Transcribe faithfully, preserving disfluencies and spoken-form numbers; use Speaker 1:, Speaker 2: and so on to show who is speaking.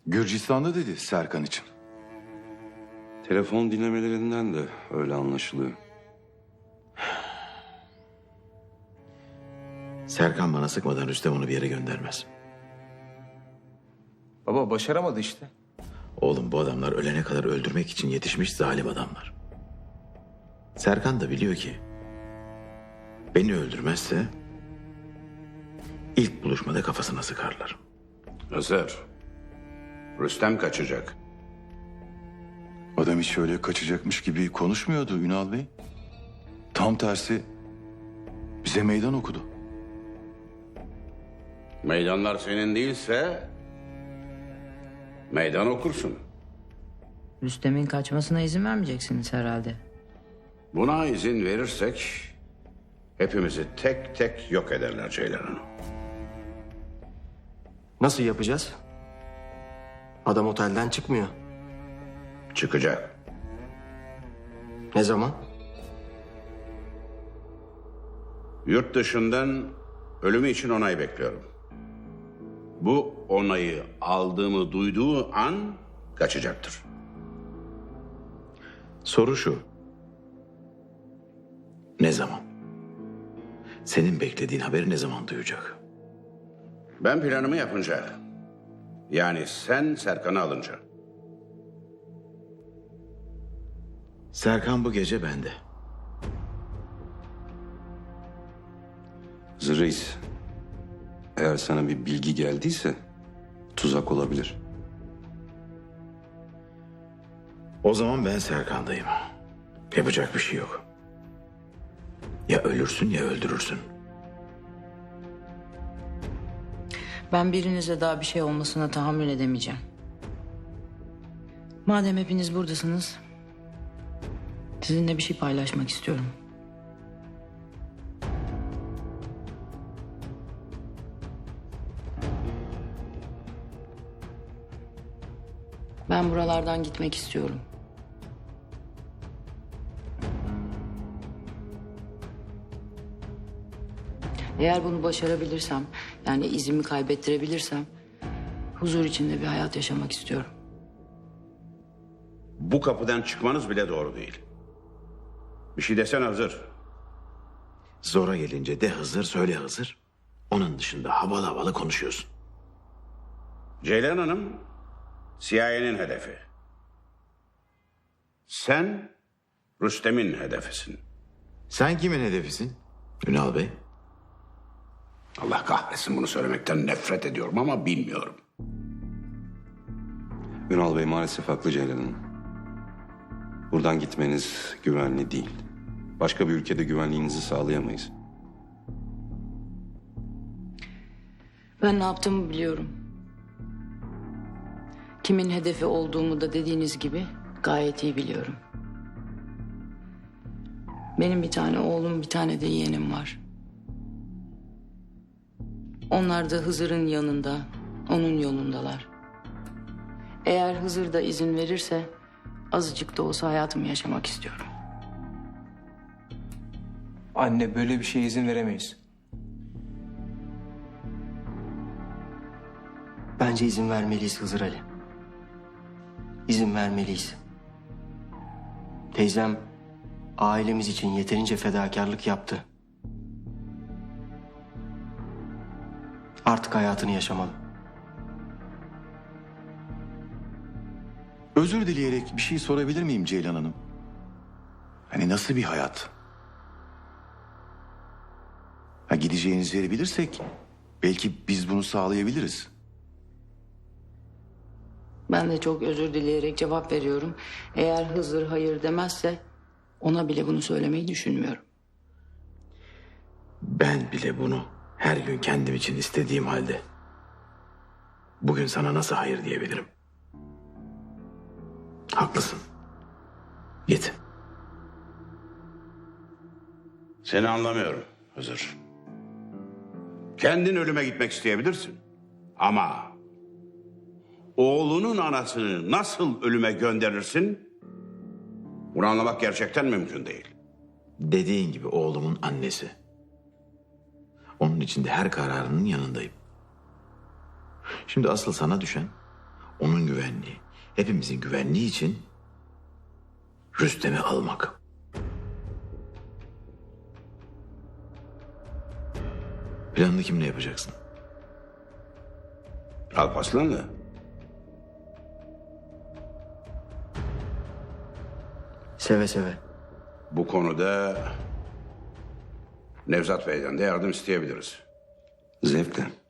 Speaker 1: Gürcistan'da dedi Serkan için.
Speaker 2: Telefon dinlemelerinden de öyle anlaşılıyor.
Speaker 3: Serkan bana sıkmadan Rüstem onu bir yere göndermez.
Speaker 4: Baba başaramadı işte.
Speaker 3: Oğlum bu adamlar ölene kadar öldürmek için yetişmiş zalim adamlar. Serkan da biliyor ki beni öldürmezse ilk buluşmada kafasına sıkarlar.
Speaker 5: Hızır. Rüstem kaçacak.
Speaker 1: Adam hiç öyle kaçacakmış gibi konuşmuyordu Ünal Bey. Tam tersi bize meydan okudu.
Speaker 5: Meydanlar senin değilse meydan okursun.
Speaker 6: Rüstem'in kaçmasına izin vermeyeceksiniz herhalde.
Speaker 5: Buna izin verirsek hepimizi tek tek yok ederler Ceylan Hanım.
Speaker 4: Nasıl yapacağız? Adam otelden çıkmıyor.
Speaker 5: Çıkacak.
Speaker 4: Ne zaman?
Speaker 5: Yurt dışından ölümü için onay bekliyorum. Bu onayı aldığımı duyduğu an kaçacaktır.
Speaker 3: Soru şu. Ne zaman? Senin beklediğin haberi ne zaman duyacak?
Speaker 5: Ben planımı yapınca, yani sen Serkan'ı alınca.
Speaker 3: Serkan bu gece bende.
Speaker 2: Hızır Reis, eğer sana bir bilgi geldiyse tuzak olabilir.
Speaker 3: O zaman ben Serkan'dayım. Yapacak bir şey yok. Ya ölürsün ya öldürürsün.
Speaker 6: Ben birinize daha bir şey olmasına tahammül edemeyeceğim. Madem hepiniz buradasınız, sizinle bir şey paylaşmak istiyorum. Ben buralardan gitmek istiyorum. Eğer bunu başarabilirsem, yani izimi kaybettirebilirsem, huzur içinde bir hayat yaşamak istiyorum.
Speaker 5: Bu kapıdan çıkmanız bile doğru değil. Bir şey desene Hızır.
Speaker 3: Zora gelince de Hızır söyle Hızır. Onun dışında havalı havalı konuşuyorsun.
Speaker 5: Ceylan Hanım C I A'nin hedefi. Sen Rüstem'in hedefisin.
Speaker 3: Sen kimin hedefisin? Ünal Bey.
Speaker 5: Allah kahretsin, bunu söylemekten nefret ediyorum ama bilmiyorum.
Speaker 2: Ünal Bey maalesef haklı Ceylan Hanım. Buradan gitmeniz güvenli değil. Başka bir ülkede güvenliğinizi sağlayamayız.
Speaker 6: Ben ne yaptığımı biliyorum. Kimin hedefi olduğumu da dediğiniz gibi gayet iyi biliyorum. Benim bir tane oğlum, bir tane de yeğenim var. Onlar da Hızır'ın yanında, onun yolundalar. Eğer Hızır da izin verirse azıcık da olsa hayatımı yaşamak istiyorum.
Speaker 4: Anne, böyle bir şeye izin veremeyiz. Bence izin vermeliyiz Hızır Ali. İzin vermeliyiz. Teyzem ailemiz için yeterince fedakarlık yaptı. Artık hayatını yaşamalı.
Speaker 1: Özür dileyerek bir şey sorabilir miyim Ceylan Hanım? Hani nasıl bir hayat? Ha, gideceğiniz yeri bilirsek belki biz bunu sağlayabiliriz.
Speaker 6: Ben de çok özür dileyerek cevap veriyorum. Eğer Hızır hayır demezse ona bile bunu söylemeyi düşünmüyorum.
Speaker 3: Ben bile bunu her gün kendim için istediğim halde bugün sana nasıl hayır diyebilirim? Haklısın. Git.
Speaker 5: Seni anlamıyorum Hızır. Kendin ölüme gitmek isteyebilirsin. Ama oğlunun anasını nasıl ölüme gönderirsin? Bunu anlamak gerçekten mümkün değil.
Speaker 3: Dediğin gibi oğlumun annesi. Onun için de her kararının yanındayım. Şimdi asıl sana düşen onun güvenliği, hepimizin güvenliği için Rüstem'i almak. Planını kimle yapacaksın?
Speaker 5: Alparslan'la.
Speaker 4: Seve seve.
Speaker 5: Bu konuda Nevzat Bey'den de yardım isteyebiliriz.
Speaker 2: Zevkle.